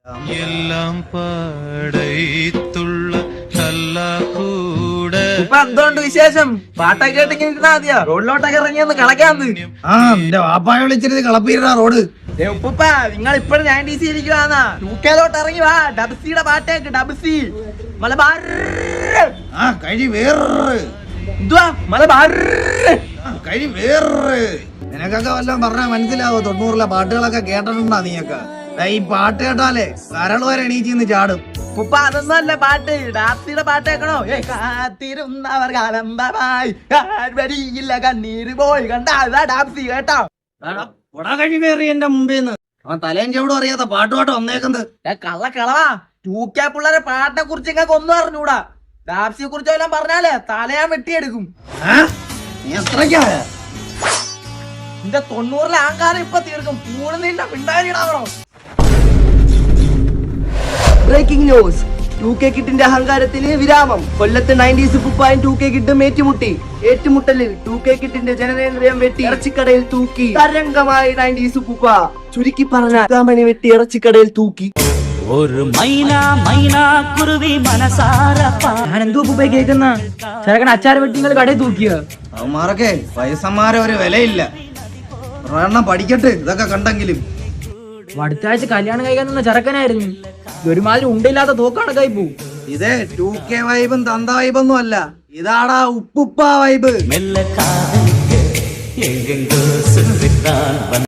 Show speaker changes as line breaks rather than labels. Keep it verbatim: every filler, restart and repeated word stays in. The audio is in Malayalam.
എല്ലാം പടയത്തുള്ള
ഇപ്പൊ എന്തുകൊണ്ട് വിശേഷം? പാട്ടൊക്കെ കേട്ടിങ്ങനെ ഇരുന്നാ മതിയോ? റോഡിലോട്ടൊക്കെ ഇറങ്ങിയൊന്ന് കളക്കാന്ന്.
ആ നിന്റെ വാപ്പായ വിളിച്ചിരുന്ന് കളപ്പീരാ റോഡ്.
ഉപ്പ നിങ്ങൾ ഇപ്പോഴും നയൻറ്റീസ് ഇരിക്കുവാന്നാ? യൂക്കേലോട്ട് ഇറങ്ങി വാ, ഡബ്സിയുടെ പാട്ടേക്ക്. ഡബ്സി മലബാർ
ആ കഴി വേറെ
എന്തുവാ മലബാർ
കഴി വേറെ. നിനക്കൊക്കെ വല്ലതും പറഞ്ഞാ മനസ്സിലാവോ? തൊണ്ണൂറിലെ പാട്ടുകളൊക്കെ കേട്ടിട്ടുണ്ടാ നീയൊക്കെ? ഈ പാട്ട് കേട്ടാലേ കരൾ വരെ എണീച്ചിന്ന് ചാടും.
ഉപ്പ അതൊന്നും അല്ല പാട്ട്, ഡാപ്സിയുടെ പാട്ട് കേൾക്കണോ? കാത്തിരുന്നവർ കാലംബമായി വരിയില്ല കണ്ണീര് പോയി കണ്ട ഡാപ്സി കേട്ടോ.
കഴി വേറി എന്റെ മുമ്പേന്ന് അവൻ തലയും ചവിടും അറിയാത്ത പാട്ടുപാട്ട് വന്നേക്കുന്നത്.
കള്ള കളവാ. ടൂ കെ പിള്ളേരെ പാട്ടിനെ കുറിച്ച് നിങ്ങൾക്ക് ഒന്നും അറിഞ്ഞൂടാ. ഡാപ്സിയെ കുറിച്ച് എല്ലാം പറഞ്ഞാലേ തലയാൻ വെട്ടിയെടുക്കും. നിന്റെ തൊണ്ണൂറിലെ ആങ്കാരം ഇപ്പൊ തീർക്കും. പൂണ് നിന്റെ പിണ്ടാരിടാവണോ?
Breaking news. ടു കെ കിട്ടിന്റെ അഹങ്കാരത്തിന് വിരാമം. കൊല്ലത്ത് നയൻറ്റീസ് കുപ്പായും ടു കെ കിട്ടും ഏറ്റുമുട്ടി. ഏറ്റുമുട്ടലിൽ ടു കെ കിട്ടിന്റെ ജനനേന്ദ്രിയം വെട്ടി ഇറച്ചിക്കടയിൽ തൂക്കി. തരംഗമായി നയൻറ്റീസ് കുപ്പ. ചുരുക്കി പറഞ്ഞ മണി വെട്ടി ഇറച്ചിക്കടയിൽ തൂക്കി.
ഒരു മൈന മൈന കുരുവി മനസാര.
ഞാൻ എന്തോ ഉപ്പ കേൾക്കുന്ന ചെറുക്കൻ അച്ചാറ് വെട്ടി നിങ്ങൾ കടയിൽ തൂക്കിയ.
അവന്മാരൊക്കെ വയസ്സന്മാരെ ഒരു വിലയില്ല. ഒരെണ്ണം പഠിക്കട്ടെ ഇതൊക്കെ കണ്ടെങ്കിലും.
അടുത്ത ആഴ്ച കല്യാണം കഴിക്കാൻ നിന്ന ചെറുക്കനായിരുന്നു. ഒരുമാതിരി ഉണ്ടില്ലാത്ത തോക്കാണ് കൈപ്പൂ.
ഇതേ ടു കെ വൈബും തന്ത വൈബൊന്നും അല്ല, ഇതാടാ ഉപ്പുപ്പ വൈബ്.
മെല്ലെ കാതലിക്ക് എങ്കെങ്കോ സുന്ദരിക്കാൻ